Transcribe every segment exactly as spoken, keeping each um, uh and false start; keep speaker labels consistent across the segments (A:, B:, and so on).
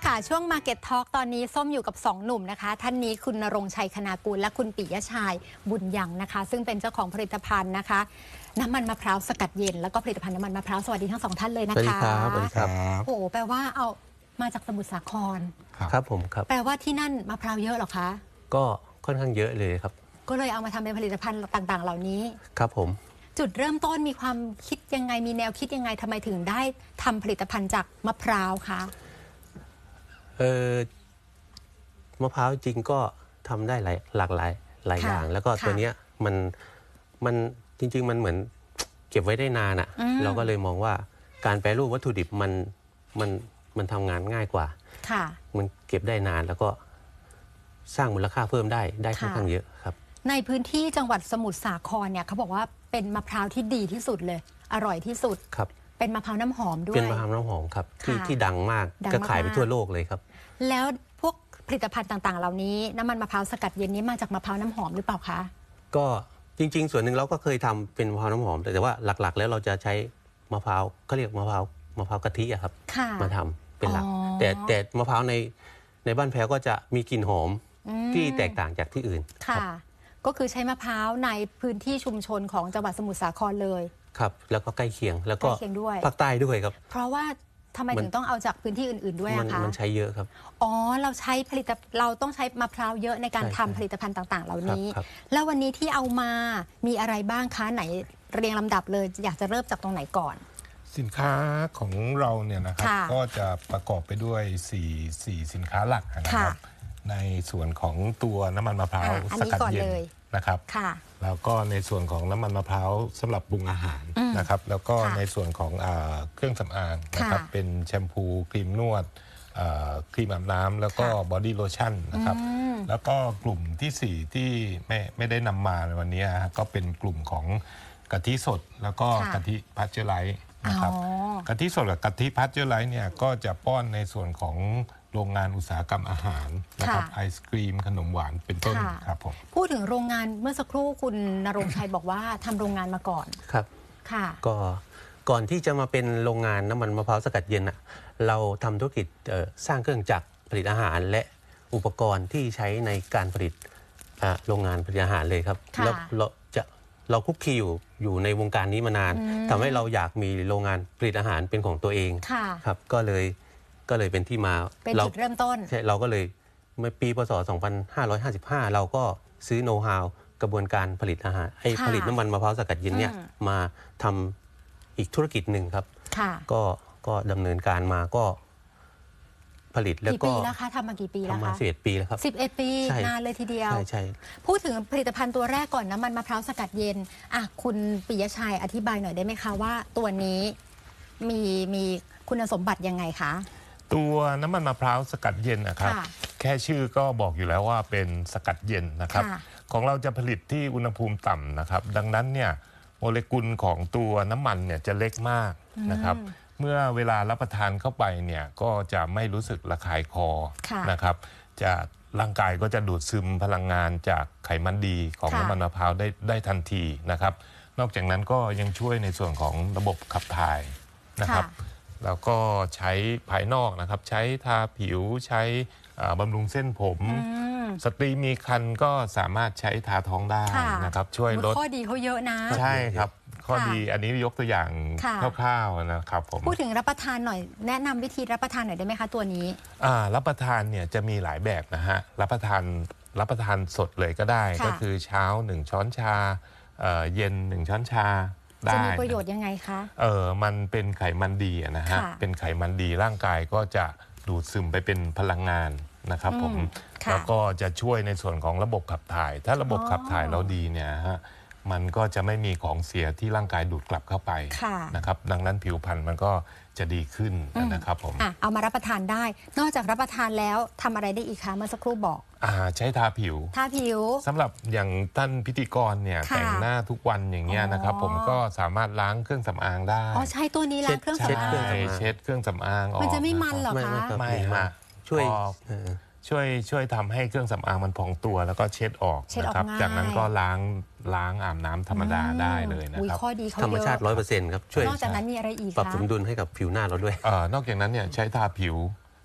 A: ค่ะช่วง Market Talk ตอนนี้ส้มอยู่กับสองหนุ่มนะคะท่านนี้คุณณรงค์ชัยคณากุลและคุณปิยะชัยบุญยังนะคะซึ่งเป็นเจ้าของผลิตภัณฑ์นะคะน้ำมันมะพร้าวสกัดเย็นแล้วก็ผลิตภัณฑ์น้ำมันมะพร้าวสวัสดีทั้งสองท่านเลยนะคะ
B: สวัสดีครับสวัสดีครับ
A: โอ้โหแปลว่าเอามาจากสมุทรสาคร
B: ครับผมครับ
A: แปลว่าที่นั่นมะพร้าวเยอะหรอคะ
B: ก็ค่อนข้างเยอะเลยครับ
A: ก็เลยเอามาทำเป็นผลิตภัณฑ์ต่างๆเหล่านี้
B: ครับผม
A: จุดเริ่มต้นมีความคิดยังไงมีแนวคิดยังไงทำไมถึงได้ทำผลิตภัณฑ์จากมะพร้าวคะ
B: เออมะพร้าวจริงก็ทำได้หลายหลากหลายหลายอย่างแล้วก็ตัวเนี้ยมันมันจริงๆมันเหมือนเก็บไว้ได้นานอ่ะเราก็เลยมองว่าการแปรรูปวัตถุดิบมันมันมันทำงานง่ายกว่า
A: ค่ะ
B: มันเก็บได้นานแล้วก็สร้างมูลค่าเพิ่มได้ได้ค่อนข้างเยอะครับ
A: ในพื้นที่จังหวัดสมุทรสาครเนี่ยเขาบอกว่าเป็นมะพร้าวที่ดีที่สุดเลยอร่อยที่สุด
B: ครับ
A: เป็นมะพร้าวน้ำหอมด้วย
B: เป็นมะพร้าวน้ำหอมครับที่ที่ดังมากก็ขายไปทั่วโลกเลยครับ
A: แล้วพวกผลิตภัณฑ์ต่างๆเหล่านี้น้ำมันมะพร้าวสกัดเย็นนี้มาจากมะพร้าวน้ำหอมหรือเปล่าคะ
B: ก็จริงๆส่วนหนึ่งเราก็เคยทำเป็นมะพร้าวน้ำหอมแต่ว่าหลักๆแล้วเราจะใช้มะพร้าวเขาเรียกมะพร้าวมะพร้าวกะทิอะครับมาทำเป็นหลักแต่แต่มะพร้าวในในบ้านแพ้วก็จะมีกลิ่นหอมที่แตกต่างจากที่อื่น
A: ค่ะก็คือใช้มะพร้าวในพื้นที่ชุมชนของจังหวัดสมุทรสาครเลย
B: ครับแล้วก็ใกล้เคียงแล้วก็ภาคใต้ด้วยครับ
A: เพราะว่าทำไมถึงต้องเอาจากพื้นที่อื่นๆด้วยอะคะ
B: มันใช้เยอะครับ
A: อ๋อเราใช้ผลิตเราต้องใช้มะพร้าวเยอะในการทำผลิตภัณฑ์ต่างๆเหล่านี้แล้ววันนี้ที่เอามามีอะไรบ้างคะไหนเรียงลำดับเลยอยากจะเริ่มจากตรงไหนก่อน
C: สินค้าของเราเนี่ยนะครับก็จะประกอบไปด้วยสี่สี่สินค้าหลักนะครับในส่วนของตัวน้ำมันมะพร้าวสกัดเย็นนะครับแล้วก็ในส่วนของน้ำมันมะพร้าวสำหรับปรุงอาหารนะครับแล้วก็ในส่วนของเครื่องสำอางนะครับเป็นแชมพูครีมนวดครีมอาบน้ำแล้วก็บอดี้โลชั่นนะครับแล้วก็กลุ่มที่สี่ที่ไม่ไม่ได้นำมาในวันนี้ก็เป็นกลุ่มของกะทิสดแล้วก็กะทิพัชเจอร์ไลท์นะครับกะทิสดกับกะทิพัชเจอร์ไลท์เนี่ยก็จะป้อนในส่วนของโรงงานอุตสาหกรรมอาหารนะครับไอศกรีมขนมหวานเป็นต้นครับผม
A: พูดถึงโรงงานเมื่อสักครู่คุณณรงค์ชัยบอกว่าทำโรงงานมาก่อน
B: ครับ
A: ค่ะ
B: ก็ก่อนที่จะมาเป็นโรงงานน้ำมันมะพร้าวสกัดเย็นอ่ะเราทำธุรกิจสร้างเครื่องจักรผลิตอาหารและอุปกรณ์ที่ใช้ในการผลิตโรงงานผลิตอาหารเลยครับแล้วเราจะเราคุกคีอยู่อยู่ในวงการนี้มานานทำให้เราอยากมีโรงงานผลิตอาหารเป็นของตัวเองครับก็เลยก็เลยเป็นที่มา
A: เป็นจุดเริ่มต้น
B: ใช่เราก็เลยเมื่อปีพ.ศ. สองพันห้าร้อยห้าสิบห้าเราก็ซื้อโน้ตฮาวกระบวนการผลิตอาหารให้ผลิตน้ำมันมะพร้าวสกัดเย็นเนี่ยมาทำอีกธุรกิจหนึ่งครับก็ก็ดำเนินการมาก็ผลิตแล้วก็
A: กี่ปีแล้วคะทำมากี่ปีแล้วคะ
B: ทำมาสิบเอ็ดปีแล้วครับ
A: สิบเอ็ดปีนานเลยทีเดียว
B: ใช่ใช่
A: พูดถึงผลิตภัณฑ์ตัวแรกก่อนน้ำมันมะพร้าวสกัดเย็นอ่ะคุณปิยะชัยอธิบายหน่อยได้ไหมคะว่าตัวนี้มีมีคุณสมบัติยังไงคะ
C: ตัวน้ำมันมะพร้าวสกัดเย็นนะครับแค่ชื่อก็บอกอยู่แล้วว่าเป็นสกัดเย็นนะครับของเราจะผลิตที่อุณหภูมิต่ำนะครับดังนั้นเนี่ยโมเลกุลของตัวน้ำมันเนี่ยจะเล็กมากนะครับเมื่อเวลารับประทานเข้าไปเนี่ยก็จะไม่รู้สึกระคายคอนะครับจะร่างกายก็จะดูดซึมพลังงานจากไขมันดีของน้ำมันมะพร้าวได้ได้ทันทีนะครับนอกจากนั้นก็ยังช่วยในส่วนของระบบขับถ่ายนะครับแล้วก็ใช้ภายนอกนะครับใช้ทาผิวใช้บำรุงเส้นผมสตรีมีครรภ์ก็สามารถใช้ทาท้องได้นะครับช่วยลด
A: ข้อดีเขาเยอะนะ
C: ใช่ครับข้อดีอันนี้ยกตัวอย่างคร่าวๆนะครับผม
A: พูดถึงรับประทานหน่อยแนะนำวิธีรับประทานหน่อยได้ไหมคะตัวนี้
C: รับประทานเนี่ยจะมีหลายแบบนะฮะรับประทานรับประทานสดเลยก็ได้ก็คือเช้าหนึ่งช้อนชาเย็นหนึ่งช้อนชา
A: จะมีประโยชน์ยังไงคะ
C: เออมันเป็นไขมันดีนะฮะเป็นไขมันดีร่างกายก็จะดูดซึมไปเป็นพลังงานนะครับผมแล้วก็จะช่วยในส่วนของระบบขับถ่ายถ้าระบบขับถ่ายเราดีเนี่ยฮะมันก็จะไม่มีของเสียที่ร่างกายดูดกลับเข้าไปนะครับดังนั้นผิวพรรณมันก็จะดีขึ้นนะครับผม
A: เอามารับประทานได้นอกจากรับประทานแล้วทำอะไรได้อีกคะเมื่อสักครู่บอก
C: อ่าใช้ทาผิว
A: ทาผิว
C: สำหรับอย่างท่านพิธีกรเนี่ยแต่งหน้าทุกวันอย่างเงี้ยนะครับผมก็สามารถล้างเครื่องสำอางได้
A: อ๋อใช้ตัวนี้ล้างเครื่องสำอาง
C: เช็ดเครื่องสำอางออก
A: มันจะไม่มันหรอคะ
C: ไม่ฮะช่วยช่วยช่วยทำให้เครื่องสำอางมันพองตัวแล้วก็เช็ดออกนะครับจากนั้นก็ล้างล้างอาบน้ำธรรมดาได้เลยนะครับ
B: ธรรมชาติร้อยเปอร์เซ็นต์ครับช่วย
A: นอกจากนั้นมีอะไรอีก
B: ปรับสมดุลให้กับผิวหน้าเราด้วย
C: นอกจากนั้นเนี่ยใช้ทาผิว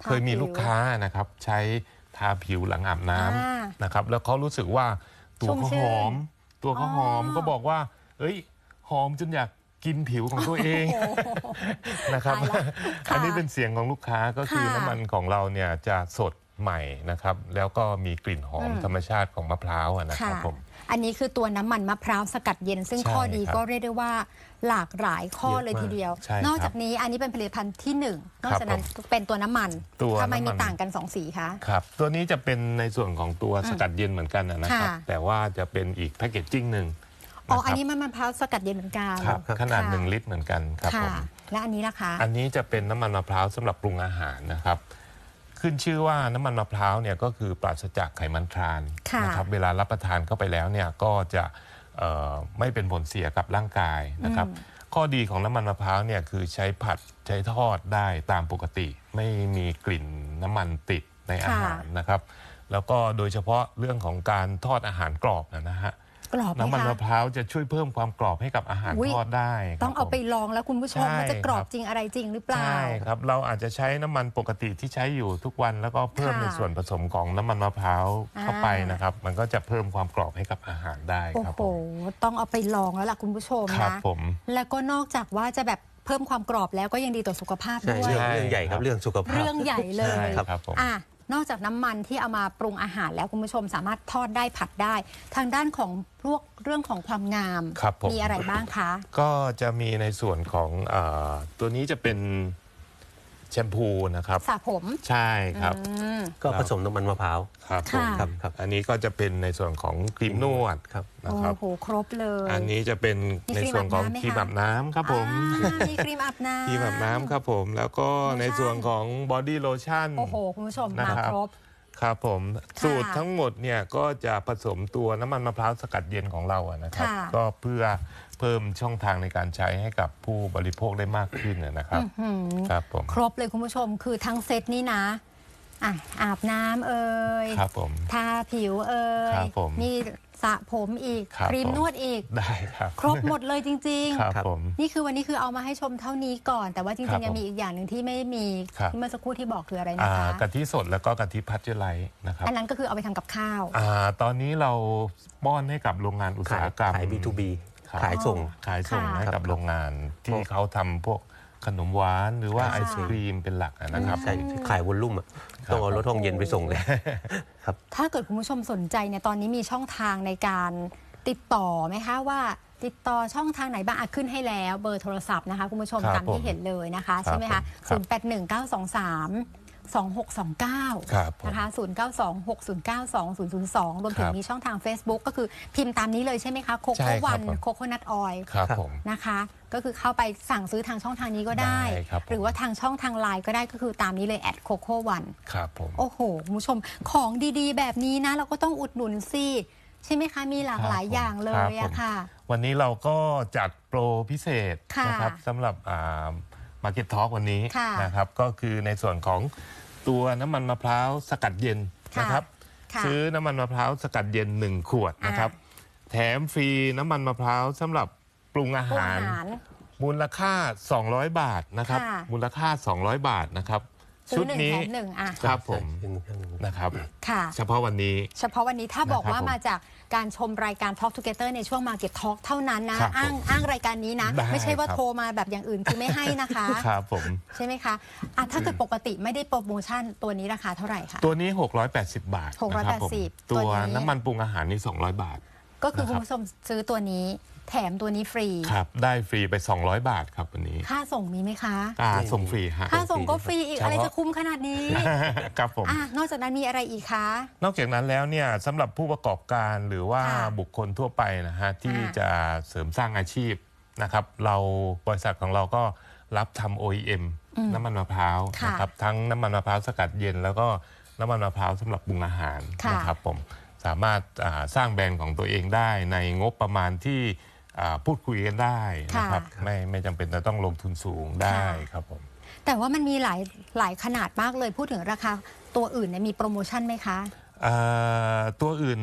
C: เคยมีลูกค้านะครับใช้ทาผิวหลังอาบน้
A: อ่า
C: ำนะครับแล้วเขารู้สึกว่าตัว
A: ชุ่ม
C: เขา
A: ชื่
C: ห
A: น
C: อม ตัวเขาหอม
A: อ๋อ
C: ก็บอกว่าเอ้ยหอมจนอยากกินผิวของตัวเอง
A: โอ้โห
C: นะครับ
A: ตายละค่ะ
C: อันนี้เป็นเสียงของลูกค้าก็คือ
A: ค่ะ
C: น้ำมันของเราเนี่ยจะสดใหม่นะครับแล้วก็มีกลิ่นหอม
A: อืม
C: ธรรมชาติของมะพร้าวอะนะค
A: ค่ะ
C: รับผม
A: อันนี้คือตัวน้ำมันมะพร้าวสกัดเย็น ซึ่ง
C: ใช่
A: ข้อดี
C: ครับ
A: ก็เรียกได้ว่าหลากหลายข้อ
B: เยอะ
A: เลย
B: มาก
A: ทีเดียว
C: ใช่ครับ
A: นอกจากนี้อันนี้เป็นผลิตภัณฑ์ที่หนึ่งนอก
C: ครับ
A: จากนั้น
C: ผม
A: เป็นตัวน้ำมัน
C: ตัว
A: ทำไม
C: น้ำมั
A: มี
C: น
A: ต่างกันสองสีคะ
C: ครับตัวนี้จะเป็นในส่วนของตัวสกัดเย็นเหมือนกันนะครับ
A: ค่ะ
C: แต่ว่าจะเป็นอีกแพคเกจจิ้งหนึ่ง
A: อ๋อ
C: นะค
A: อัน
C: รับ
A: นี้มันมะพร้าวสกัดเย็นเหมือนกัน
C: ครับขนาด
A: ค่ะ
C: หนึ่งลิตรเหมือนกันครับผ
A: ค่ะ
C: ม
A: และอันนี้ล่ะคะ
C: อันนี้จะเป็นน้ำมันมะพร้าวสำหรับปรุงอาหารนะครับ ขึ้นชื่อว่าน้ำมันมะพร้าวเนี่ยก็คือปราศจากไขมันทราน
A: ค่ะ
C: นะครับเวลารับประทานเข้าไปแล้วเนี่ยก็จะเอ่อไม่เป็นผลเสียกับร่างกายนะครับ ข้อดีของน้ำมันมะพร้าวเนี่ยคือใช้ผัดใช้ทอดได้ตามปกติ ไม่มีกลิ่นน้ำมันติดในอาหารนะครับ แล้วก็โดยเฉพาะเรื่องของการทอดอาหารกรอบนะฮะ
A: กรอบไหม
C: น้ำมัน
A: คะ
C: มะพร้าวจะช่วยเพิ่มความกรอบให้กับอาหาร
A: อุ๊ย
C: ทอดได้ครับ
A: ต้องเอาไป
C: ผม
A: ลองแล้วคุณผู้ชม
C: ใช่
A: ว่าจะกรอ
C: ครับ บ
A: จริงอะไรจริงหรือเปล่า
C: ใช่ครับเราอาจจะใช้น้ำมันปกติที่ใช้อยู่ทุกวัน แล้วก็เพิ่ม
A: ค่ะ
C: ในส่วนผสมของน้ำมันมะพร้าวเข้าไป
A: อ่าน
C: นะครับ มันก็จะเพิ่มความกรอบให้กับอาหารได้
A: โอ้
C: ครับ
A: โห
C: ผม
A: ต้องเอาไปลองแล้วล่ะคุณผู้ชม
C: ครับ
A: นะ
C: ผม
A: แล้วก็นอกจากว่าจะแบบเพิ่มความกรอบแล้วก็ยังดีต่อสุขภาพ
B: ใช่
A: ด้วย
B: เรื่องเรื่องใหญ่ครับเรื่องสุขภาพ
A: เรื่องใหญ่เล
C: ใช่
A: ย
C: ครับผม
A: อ่ะนอกจากน้ำมันที่เอามาปรุงอาหารแล้วคุณผู้ชมสามารถทอดได้ผัดได้ ทางด้านของพวกเรื่องของความงาม
C: ครับผม
A: มีอะไรบ้างคะ
C: ก็จะมีในส่วนของเออตัวนี้จะเป็นแชมพูนะครับ
A: สระผม
C: ใช่ครับ
A: อืม
B: ก็ผสมน้ำมันมะพร้าว
C: ครับผม
A: ค่ะ
B: ครับครับ
C: อันนี้ก็จะเป็นในส่วนของครีมนวด
B: ครับ
C: นะ
A: โอ้
C: ครับ
A: โหครบเลย
C: อันนี้จะเป็น
A: มี
C: ใน
A: ครีม
C: ส่วนของ
A: อาบน้ำไหมคะ
C: ครีมอาบน้ำครับผม
A: อ่ามีครีมอาบน้ำ
C: ครีมอาบน้ำครับผมแล้วก็ในส่วนของบอดี้โลชั่น
A: โอ้โห คุณผู้ชม
C: นะ
A: มา
C: ครับ
A: ครบ
C: ครับผม
A: ค่ะ
C: สูตรทั้งหมดเนี่ยก็จะผสมตัวน้ำมันมะพร้าวสกัดเย็นของเราอะนะครับ
A: ค่ะ
C: ก็เพื่อเพิ่มช่องทางในการใช้ให้กับผู้บริโภคได้มากขึ้นนะครับ
A: หืม
C: ครับผม
A: ครบเลยคุณผู้ชมคือทั้งเซตนี่นะอ่ะอาบน้ำเอ่ย
C: ครับผม
A: ทาผิวเอ่ย
C: ครับผม
A: มีสระผมอีก
C: ครับ
A: ครีม
C: ผม
A: นวดอีก
C: ได้ครับ
A: ครบหมดเลยจริง
C: ครับ
B: ครับ
C: ผม
A: ๆ นี่คือวันนี้คือเอามาให้ชมเท่านี้ก่อน แต่ว่าจ
C: ครั
A: ริ
C: บ
A: งๆ ยัง
C: ผม
A: มีอีกอย่างหนึ่งที่ไม่มี
C: ครับ
A: ที่เมื่อสักครู่ที่บอกคืออะไรนะ
C: อ่า
A: คะ
C: กะทิสดแล้วก็กะทิพัชเจอร์ไลท์นะครับ
A: อันนั้นก็คือเอาไปทำกับข้าว
C: อ่าตอนนี้เราป้อนให้กับโรงงานอุต
B: ขา
C: สาย หกรรม
B: ขาย บี ทู บี
C: ครับ
B: ขายส่ง
C: ขายส่ง
A: ค่ะ
C: ให้กับโรงงานที่เขาทำพวกขนมหวานหรือว่า
A: ค่ะ
C: ไอศครีมเป็นหลักอะนะครับ
B: ใช่ขายวอลลุ่มอะ
C: ครับ
B: ต้องเอารถห้องเย็นไปส่งเลย ครับ
A: ถ้าเกิดคุณผู้ชมสนใจเนี่ยตอนนี้มีช่องทางในการติดต่อไหมคะว่าติดต่อช่องทางไหนบ้างอ่ะขึ้นให้แล้วเบอร์โทรศัพท์นะคะคุณผู้ชม
C: ครับ
A: ตามที่
C: ผม
A: เห็นเลยนะคะ
C: ครับ
A: ใช่ไหมคะ
C: ผมครับ
A: ศูนย์ แปด หนึ่ง เก้า สอง สาม สอง หก สอง เก้า
C: ครับผม
A: นะคะศูนย์ เก้า สอง หก ศูนย์ เก้า สอง ศูนย์ ศูนย์ สองรวมถึง
C: ครับ
A: มีช่องทาง Facebook ก็คือพิมพ์ตามนี้เลยใช่ไหมคะโค
C: ใช่
A: โค่
C: ครับ
A: วัน
C: ผม
A: โคโคนัทออย
C: ครับผม
A: นะคะ ก็คือเข้าไปสั่งซื้อทางช่องทางนี้ก็ได้
C: ได้ครับผม
A: หรือว่าทางช่องทางไลน์ก็ได้ก็คือตามนี้เลยแอดโคโค่วัน
C: ครับผม
A: โอ้โหคุณผู้ชมของดีๆ แบบนี้นะ เราก็ต้องอุดหนุนสิใช่ไหมคะ มีหลากหลายอย่างเลยอะค่ะ
C: วันนี้เราก็จัดโปรพิเศษ
A: ค่ะ
C: นะครับสำหรับมาร์เก็ตทอล์กวันนี้
A: ค่ะ
C: นะครับก็คือในส่วนของตัวน้ำมันมะพร้าวสกัดเย็น
A: ค่ะ
C: นะครับ
A: ค่ะ
C: ซื้อน้ำมันมะพร้าวสกัดเย็นหนึ่งขวดนะครับ แถมฟรีน้ำมันมะพร้าวสำหรับปรุงอา
A: พวก
C: หาร
A: อาหาร
C: มูลค่า สองร้อย บาทนะครับ
A: ค่ะ
C: มูลค่า สองร้อย บาทนะครับ
A: ซื้
C: ชุ
A: อ
C: ด
A: หนึ่ง
C: นี้
A: แถมหนึ่งอ่ะ
C: ครับผม
B: ใช่ใช่
C: นะครับ
A: ค่ะ
C: เฉพาะวันนี้
A: เฉพาะวันนี้ถ้าบอก
C: นะครับ
A: ว่า
C: ผม
A: มาจากการชมรายการ Talk Together ในช่วง Market Talk เท่านั้นนะ
C: ครับ
A: อ้าง
C: ผม
A: อ้างรายการนี้นะ
C: ได้
A: ไม่ใช่ว่า
C: ครับ
A: โทรมาแบบอย่างอื่นคือไม่ให้นะคะ
C: ครับผม
A: ใช่ไหมคะอ่ะถ้าเกิดปกติไม่ได้โปรโมชั่นตัวนี้ราคาเท่าไหร่คะ
C: ตัวนี้ หกร้อยแปดสิบ บาทนะครับผม
A: หกร้อยแปดสิบ
C: ตัว
A: ตัวนี้
C: น้ำมันปรุงอาหารนี่ สองร้อย บาท
A: ก็คือ
C: นะครับ
A: คุณผู้ชมซื้อตัวนี้แถมตัวนี้ฟรี
C: ครับได้ฟรีไป สองร้อย บาทครับวันนี้
A: ค่าส่งมีไหมคะ
C: อ่า
B: ไม่มี
C: ส่งฟรีฮะ
A: ค่าส่งก็ฟรีอีก
C: เฉพาะ
A: อะไรจะคุ้มขนาดนี้
C: ครับผม
A: อ่ะนอกจากนั้นมีอะไรอีกคะ
C: นอกจากนั้นแล้วเนี่ยสำหรับผู้ประกอบการหรือว่า
A: ค่ะ
C: บุคคลทั่วไปนะฮะที่
A: อ่า
C: จะเสริมสร้างอาชีพนะครับเราบริษัทของเราก็รับทำ โอ อี เอ็ม น้ำมันมะพร้าว
A: ค่ะ
C: นะครับทั้งน้ำมันมะพร้าวสกัดเย็น แล้วก็น้ำมันมะพร้าวสำหรับปรุงอาหาร
A: ค่ะ
C: นะครับผมสามารถอ่าสร้างแบรนด์ของตัวเองได้ในงบประมาณที่อ่าพูดคุยกันได้นะครับไม่ไม่จำเป็นจะต้องลงทุนสูงได้ครับผม
A: แต่ว่ามันมีหลายหลายขนาดมากเลยพูดถึงราคาตัวอื่นเนี่ยมีโปรโมชั่นไหมคะ
C: อ่าตัวอื่น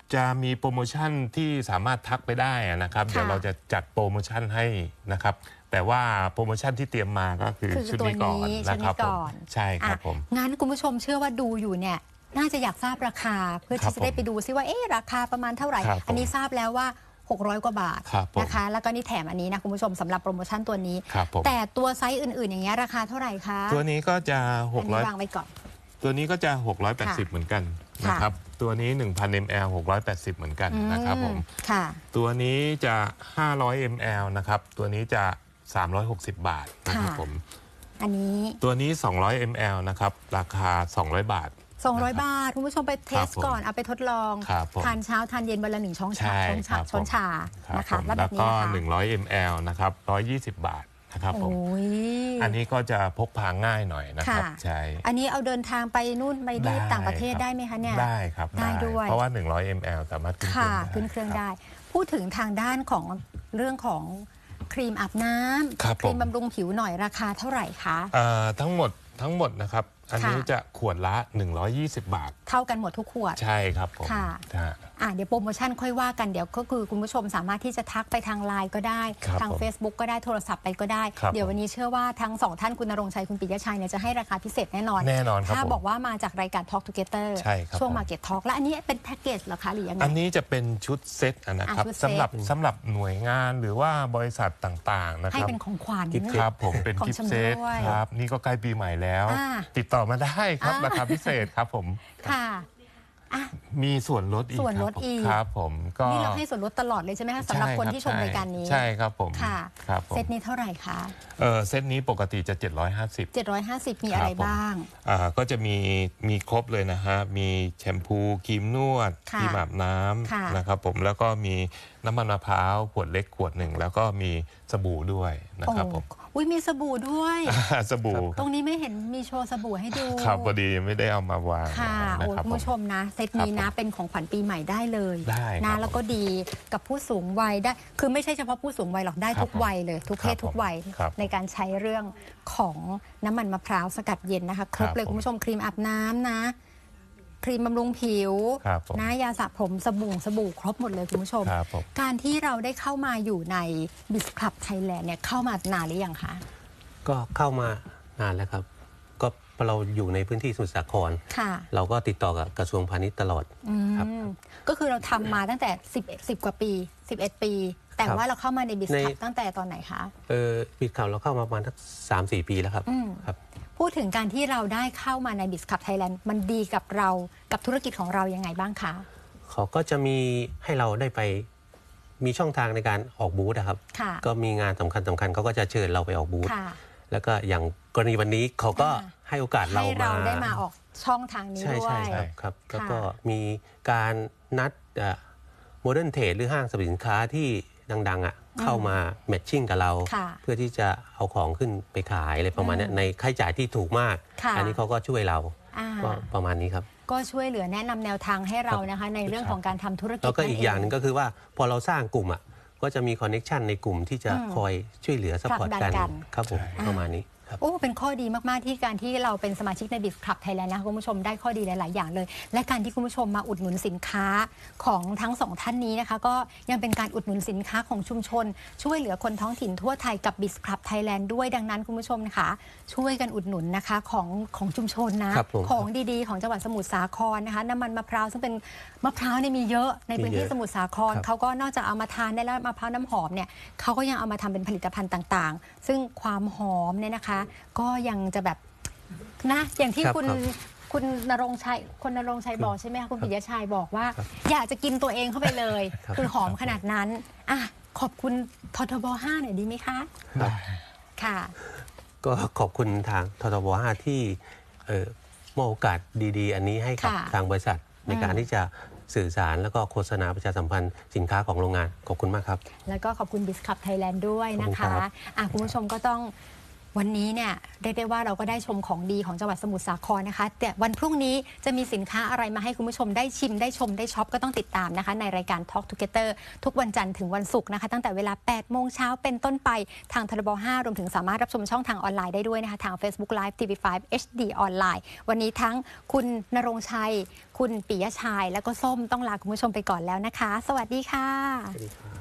C: จะมีโปรโมชั่นที่สามารถทักไปได้นะครับเดี๋ยวเราจะจัดโปรโมชั่นให้นะครับแต่ว่าโปรโมชั่นที่เตรียมมาก็คือ
A: คือ
C: ชุด
A: ตัว
C: นี้ก่อน
A: นี้ชุ
C: นะ
A: ด
C: ครั
A: นี้
C: บผ
A: ก่
C: ม
A: อน
C: ใช่ครับผม
A: อ่ะงั้นคุณผู้ชมเชื่อว่าดูอยู่เนี่ยน่าจะอยากทราบราคาเพื่อ
C: ครั
A: ที่
C: บ
A: จะได้ไปดูซิว่าเอ๊ะราคาประมาณเท่าไหร่
C: ครับผม
A: อันนี้ทราบแล้วว่าหกร้อยกว่าบาท
C: ครับผม
A: นะคะแล้วก็นี่แถมอันนี้นะคุณผู้ชมสำหรับโปรโมชั่นตัวนี้
C: ครับผม
A: แต่ตัวไซส์อื่นๆ อย่างเงี้ยราคาเท่าไหร่คะ
C: ตัวนี้ก็จะ
A: อันนี้
C: หกร้อย
A: วางไว้ก่อน
C: ตัวนี้ก็จะ หกร้อยแปดสิบ
A: ค่ะ
C: เหมือนกัน
A: ค่ะ
C: นะครับตัวนี้ หนึ่งพัน มิลลิลิตร หกร้อยแปดสิบ เหมือนกันนะครับผม
A: ค่ะ
C: ตัวนี้จะ ห้าร้อย มิลลิลิตร นะครับตัวนี้จะ สามร้อยหกสิบ บาทนะครับ
A: ค่ะ
C: ผม
A: อันนี้
C: ตัวนี้ สองร้อย มิลลิลิตร นะครับราคา สองร้อย บาท
A: สองร้อย บาท คุณผู้ชมไปเทส
C: ครับผม
A: ก่อนเอาไปทดลอง
C: ครับผม
A: ทานเช้าทานเย็นวันละหนึ่งช้อนชา
C: ใช่
A: ช้อน
C: ครั
A: ชา
C: บ
A: ช้อนชา
C: ครับ
A: นะคะ
C: ผม
A: แล้วแบ
C: แล้ว
A: บนี้
C: ก็
A: นะคะ
C: หนึ่งร้อย มิลลิลิตร นะครับหนึ่งร้อยยี่สิบ บาทนะครับผม
A: โอ้ย
C: อันนี้ก็จะพกพาง่ายหน่อยนะครับ
A: ค่ะ
C: ใช่
A: อันนี้เอาเดินทางไปนู่นไปนี่ต่างประเทศ
C: คบ
A: ได้ไหมคะเนี่ย
C: ได้ครับ
A: ได้ด้วย
C: เพราะว่า หนึ่งร้อย มิลลิลิตร สามารถขึ้นเครื่
A: ค่ะ
C: องได้
A: ขึ้นเครื่อง
C: รับ
A: ได้ พูดถึงทางด้านของเรื่องของครีมอาบน้
C: ครับ
A: ำครีม
C: ผม
A: บำรุงผิวหน่อยราคาเท่าไหร่คะ
C: เอ่อทั้งหมดทั้งหมดนะครับ อันนี้
A: ค่ะ
C: จะขวดละ หนึ่งร้อยยี่สิบ บาท
A: เท่ากันหมดทุกขวด
C: ใช่ครับผม
A: ค่ะ
C: ฮะ
A: อ่ะเดี๋ยวโปรโมชั่นค่อยว่ากันเดี๋ยวก็คือคุณผู้ชมสามารถที่จะทักไปทางไลน์ก็ได้
C: ครับ
A: ทาง
C: ผม
A: Facebook ก็ได้โทรศัพท์ไปก็ได้
C: ครับ
A: เดี๋ยววันนี้เชื่อว่าทั้งสองท่านคุณณรงค์ชัยคุณปิยชัยเนี่ยจะให้ราคาพิเศษแน่นอน
C: แน่นอนครับ
A: ถ้า
C: ผม
A: บอกว่ามาจากรายการ Talk Together
C: ใช่ครับ
A: ช่วง
C: ผม
A: Market Talk และอันนี้เป็นแพ็กเกจเหรอคะหรือยังไง
C: อันนี้จะเป็นชุดเซตอะนะครับ
A: อ่ะชุดเซต
C: สำหรับสำหรับหน่วยงานหรือว่าบริษัทต่างๆนะค
A: ให้
C: รับ
A: เป็นของขวัญ
C: ครับผมเป็น
A: ของ
C: กิฟต์
A: ชำ
C: เซต
A: ร่วย
C: ครับนี่ก็ใกล้ปีใหม่แล้ว
A: อ่า
C: ติดต่อมาได้ครับ
A: อ่า
C: ราคาพิเศษครับผม
A: ค่ะอ่ะ
C: มีส่วนลดอีก
A: ส่วนลด
C: ครับผม
A: อีก
C: ครับผมก็
A: นี่เราให้ส่วนลดตลอดเลยใช่ไหมคะสำหรับคนที่ชมรายการนี้
C: ใช่ครับผม
A: ค่ะ
C: ครับผม
A: เซตนี้เท่าไหร่คะ
C: เออเซตนี้ปกติจะ เจ็ดร้อยห้าสิบ
A: เจ็ดร้อยห้าสิบมีอะไร
C: ครับผม
A: บ้าง
C: อ่าก็จะมีมีครบเลยนะฮะ มีแชมพูครีมนวด
A: ค่ะ
C: ครีมอาบน้
A: ค่ะ
C: ำนะครับผมแล้วก็มีน้ำมันมะพร้าวขวดเล็กขวดหนึ่ง แล้วก็มีสบู่ด้วยนะครับผม
A: โอ้อุ้ยมีสบู่ด้วย
C: สบู่
A: ตรงนี้ไม่เห็นมีโชว์สบู่ให้ดู
C: ครับพอดีไม่ได้เอามาวาง
A: ค่ะ
C: นะ
A: โอ้
C: ครับ
A: คุณผู้ช
C: ผม
A: มนะเซตนี้
C: ครั
A: นะ
C: บผม
A: เป็นของขวัญปีใหม่ได้เลย
C: ได้ครับ
A: นะแล้วก็ดีกับผู้สูงวัยได้ คือไม่ใช่เฉพาะผู้สูงวัยหรอกได้
C: ครับ
A: ทุกวัยเลย ทุกเพศ
C: ครับ
A: ทุกวัย
C: ครับ
A: ในการใช้เรื่องของน้ำมันมะพร้าวสกัดเย็นนะคะ ครบ
C: ครับ
A: เลย
C: ผม
A: คุณผู้ชมครีมอาบน้ำนะ ครีมบำรุงผิว
C: ครับผม
A: นะยาสระผมสบู่สบู่ครบหมดเลยคุณผู้ชม
C: ครับผม
A: การที่เราได้เข้ามาอยู่ในบิสคลับไทยแลนด์เนี่ยเข้ามานานหรือยังคะ
B: ก็เข้ามานานแล้วครับ ก็เราอยู่ในพื้นที่สมุทรสาคร
A: ค่ะ
B: เราก็ติดต่อกับกระทรวงพาณิชย์ตลอด
A: อืม
B: ครับ
A: ก็คือเราทำมาตั้งแต่สิบ สิบกว่าปี สิบเอ็ด ปี แต่
B: ครับ
A: ว่าเราเข้ามาในบิส
B: ใน
A: คับตั้งแต่ตอนไหนคะ
B: เออปิดข่าวเราเข้ามาประมาณสักสามสี่ปีแล้วครับ
A: อืม
B: ครับ
A: พูดถึงการที่เราได้เข้ามาในบิสคับไทยแลนด์มันดีกับเรากับธุรกิจของเรายังไงบ้างคะ
B: เขาก็จะมีให้เราได้ไปมีช่องทางในการออกบูธนะครับ
A: ค่ะ
B: ก็มีงานสำคัญสำคัญเขาก็จะเชิญเราไปออกบูธ
A: ค่ะ
B: แล้วก็อย่างกรณีวันนี้เขาก็
A: อ่า
B: ให้โอกาสเรา
A: ให้เรา
B: มา
A: ได้มาออกช่องทางนี้
B: ใช่
A: ด้ว
B: ใช่
A: ย
B: ครับครับ
A: ค่ะ
B: แล้วก็มีการนัดโมเดิร์นเทรดหรือห้างสรรพสินค้าที่ดังๆอ่ะเข้ามาแมทชิ่งกับเรา
A: ค่ะ
B: เพื่อที่จะเอาของขึ้นไปขายอะไรประมาณเนี้ยในค่าใช้จ่ายที่ถูกมาก
A: ค่ะ
B: อันี้เขาก็ช่วยเรา
A: อ่า
B: ก็ประมาณนี้ครับ
A: ก็ช่วยเหลือแนะนำแนวทางให้เรานะคะ ในเรื่องของการทำธุรกิจ
B: แล้วก็อีกอย่างหนึง
A: นั่นเ
B: ก็คือว่าพอเราสร้างกลุ่มอ่ะก็จะมีคอนเน็ชันในกลุ่มที่จะ
A: อืม
B: คอยช่วยเหลือสปอร์ต
A: ผลักดั
B: กัน น
A: กัน
B: ครับผม
A: อ่า
B: ประมาณนี้ครับ
A: โอ้ เป็นข้อดีมาก ๆ ที่การที่เราเป็นสมาชิกในบิสคลับไทยแลนด์นะคะคุณผู้ชมได้ข้อดีหลาย ๆ อย่างเลย และการที่คุณผู้ชมมาอุดหนุนสินค้าของทั้งสองท่านนี้นะคะ ก็ยังเป็นการอุดหนุนสินค้าของชุมชน ช่วยเหลือคนท้องถิ่นทั่วไทยกับบิสคลับไทยแลนด์ด้วยดังนั้นคุณผู้ชมนะคะช่วยกันอุดหนุนนะคะของของชุมชนนะครับ
B: ผม
A: ของดี ๆ ของจังหวัดสมุทรสาครนะคะน้ำมันมะพร้าวซึ่งเป็นมะพร้าวเนี่ยมีเยอะในพื้นที่
B: มีเยอะ
A: สมุทรสาคร
B: ครับ
A: เขาก็นอกจากเอามาทานได้แล้วมะพร้าวน้ำหอมเนี่ยเขาก็ยังเอามาทำเป็นผลิตภัณฑ์ต่างๆ ซึ่งความหอมเนี่ยนะคะ ก็ยังจะแบบนะอย่างที่
B: ครับ
A: คุณ
B: ครับ
A: คุณณรงค์ชัยคุณณรงค์ชัยบอกใช่ไหมคะคุณปิยชัยบอกว่า
B: ครับ
A: อยากจะกินตัวเองเข้าไปเลย
B: ครับ
A: คือหอมขนาดนั้นอ่ะขอบคุณททบห้าหน่อยดีไหมคะ
C: ได้
A: ค่ะ
B: ก็ขอบคุณทางททบห้าที่เอ่อมอบโอกาสดีๆ อันนี้ให้กับ
A: ค่ะ
B: ทางบริษัทในการ
A: อืม
B: ที่จะสื่อสารแล้วก็โฆษณาประชาสัมพันธ์สินค้าของโรงงานขอบคุณมากครับ
A: แล้วก็ขอบคุณบิสคับไทยแลนด์ด้วยนะ
B: ขอบคุณครั
A: คะ
B: บ
A: อ่ะคุณผู้ชมก็ต้องวันนี้เนี่ยเรียกได้ว่าเราก็ได้ชมของดีของจังหวัดสมุทรสาครนะคะแต่วันพรุ่งนี้จะมีสินค้าอะไรมาให้คุณผู้ชมได้ชิมได้ชมได้ช็อปก็ต้องติดตามนะคะในรายการ Talk Together ทุกวันจันทร์ถึงวันศุกร์นะคะตั้งแต่เวลาแปดโมงเช้าเป็นต้นไปทางทรบห้ารวมถึงสามารถรับชมช่องทางออนไลน์ได้ด้วยนะคะทาง Facebook Live ที วี ไฟว์ เอช ดี ออนไลน์วันนี้ทั้งคุณณรงค์ชัยคุณปิยะชัยและก็ส้มต้องลาคุณผู้ชมไปก่อนแล้วนะคะสวัสดีค่ะ